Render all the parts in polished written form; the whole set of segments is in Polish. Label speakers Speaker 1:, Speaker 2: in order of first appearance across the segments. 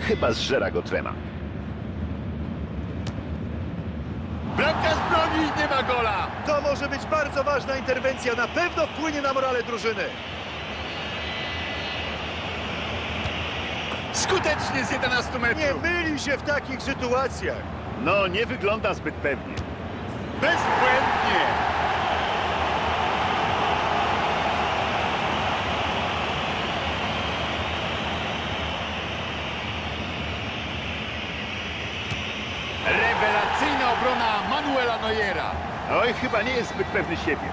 Speaker 1: Chyba zżera go trema.
Speaker 2: Bramkarz broni, nie ma gola!
Speaker 3: To może być bardzo ważna interwencja, na pewno wpłynie na morale drużyny.
Speaker 2: Skutecznie z 11
Speaker 3: Nie
Speaker 2: metrów!
Speaker 3: myli się w takich sytuacjach.
Speaker 1: No, nie wygląda zbyt pewnie.
Speaker 2: Bezbłędnie! Rewelacyjna obrona Manuela Neuera.
Speaker 1: Oj, chyba nie jest zbyt pewny siebie.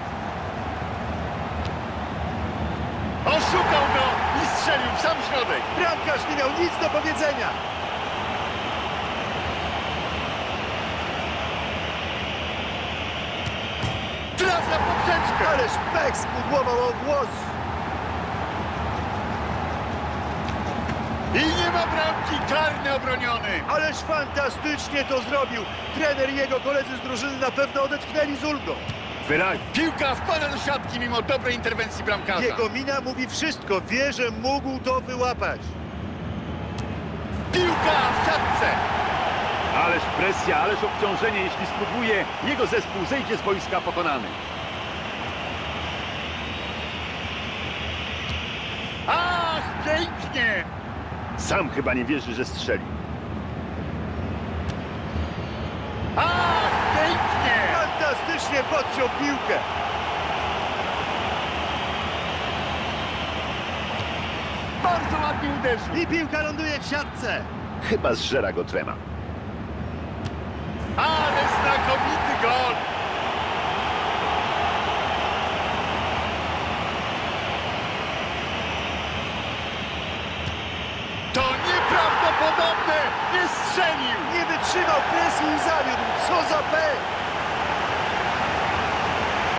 Speaker 2: Oszukał go i strzelił w sam środek.
Speaker 3: Bramkarz nie miał nic do powiedzenia.
Speaker 2: Trafia w poprzeczkę.
Speaker 3: Ależ pech spudłował o głos.
Speaker 2: I nie ma bramki, karny obroniony.
Speaker 3: Ależ fantastycznie to zrobił. Trener i jego koledzy z drużyny na pewno odetchnęli z ulgą.
Speaker 1: Wyraźnie.
Speaker 2: Piłka wpada do siatki mimo dobrej interwencji bramkarza.
Speaker 3: Jego mina mówi wszystko. Wie, że mógł to wyłapać.
Speaker 2: Piłka w siatce.
Speaker 1: Ależ presja, ależ obciążenie. Jeśli spróbuje, jego zespół zejdzie z boiska pokonany.
Speaker 2: Ach, pięknie.
Speaker 1: Sam chyba nie wierzy, że strzeli.
Speaker 2: Ach, pięknie.
Speaker 3: Fantastycznie podciął piłkę.
Speaker 2: Bardzo ładnie uderzył.
Speaker 3: I piłka ląduje w siatce.
Speaker 1: Chyba zżera go trema.
Speaker 2: Ale znakomity gol. To nieprawdopodobne. Nie strzelił.
Speaker 3: Nie wytrzymał presji i zawiódł. Co za pech.